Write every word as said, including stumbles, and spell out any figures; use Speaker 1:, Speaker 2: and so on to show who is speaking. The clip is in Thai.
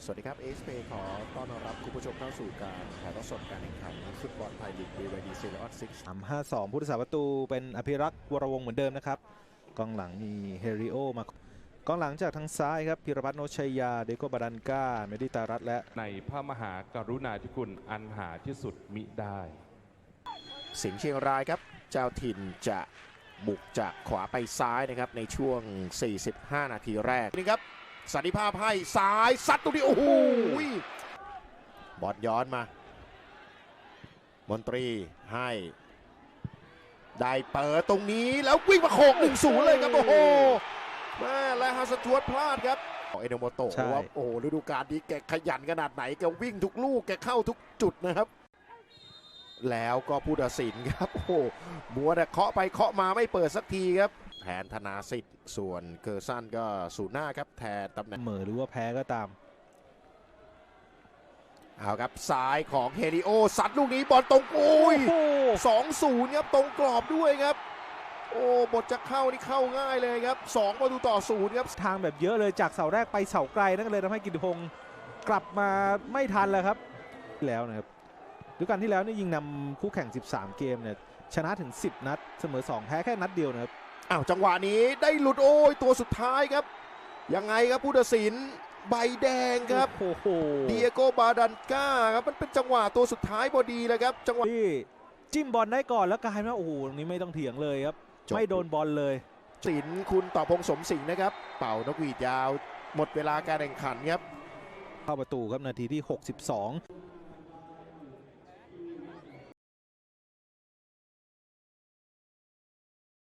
Speaker 1: สวัสดีครับ เอ เอส พี ขอต้อนรับคุณผู้ชมเข้าสู่การถ่ายทอดสดการแข่งขันฟุตบอลไทยลีก บี วาย ดี Serie A ซิกซ์
Speaker 2: สาม ห้า สอง ผู้รักษาประตูเป็นอภิรักษ์วรวงศ์เหมือนเดิมนะครับกองหลังมีเฮริโอมากองหลังจากทางซ้ายครับพิรพัฒน์โนชัยยาเดโกบาดันกาเมดิตารัตและ
Speaker 3: ในพระมหากรุณาธิคุณอันหาที่สุดมิได้
Speaker 1: สิงห์เชียงรายครับเจ้าถิ่นจะบุกจากขวาไปซ้ายนะครับในช่วง สี่สิบห้า นาทีแรกนี่ครับสันติภาพให้ซ้ายซัดตรงนี้โอ้โหบอลย้อนมามนตรีให้ได้เปิดตรงนี้แล้ววิ่งมาโขก หนึ่งศูนย์ เลยครับโอ้โหแม่และฮัสทวดพลาดครับเอโนโมโตะว่าโอ้โหฤดูกาลนี้แกขยันขนาดไหนแกวิ่งทุกลูกแกเข้าทุกจุดนะครับแล้วก็ผู้ตัดสินครับโอ้โหมัวแต่เคาะไปเคาะมาไม่เปิดสักทีครับแทนธนาสิทธิ์ส่วนเกอร์ซันก็สูนหน้าครับแทนตำแหน่ง
Speaker 2: เหม่อหรือว่าแพ้ก็ตาม
Speaker 1: เอาครับซ้ายของเฮริโอซัดลูกนี้บอลตรงโอ้ย สองศูนย์ ครับตรงกรอบด้วยครับโอ้บทจะเข้านี่เข้าง่ายเลยครับสองประตูต่อศูนย์ครับ
Speaker 2: ทางแบบเยอะเลยจากเสาแรกไปเสาไกลนั่นก็เลยทำให้กิติพงศ์กลับมาไม่ทันแล้วครับแล้วนะครับฤดูกาลที่แล้วนี่ยิงนำคู่แข่งสิบสามเกมเนี่ยชนะถึงสิบนัดเสมอสองแพ้แค่นัดเดียวนะครับ
Speaker 1: อ้าวจังหวะนี้ได้หลุดโอ้ยตัวสุดท้ายครับยังไงครับผู้ตัดสินใบแดงครับ
Speaker 2: โอ้โห
Speaker 1: เดียโกบาดันก้าครับมันเป็นจังหวะตัวสุดท้ายพอดีเลยครับจังหวะ
Speaker 2: ที่จิ้มบอลได้ก่อนแล้วกลายมาโอ้โหนี้ไม่ต้องเถียงเลยครับไม่โดนบอลเลย
Speaker 1: สินคุณต่อพงษ์สมสิงห์นะครับเป่านกหวีดยาวหมดเวลาการแข่งขันครับ
Speaker 2: เข้าประตูครับนาทีที่หกสิบสอง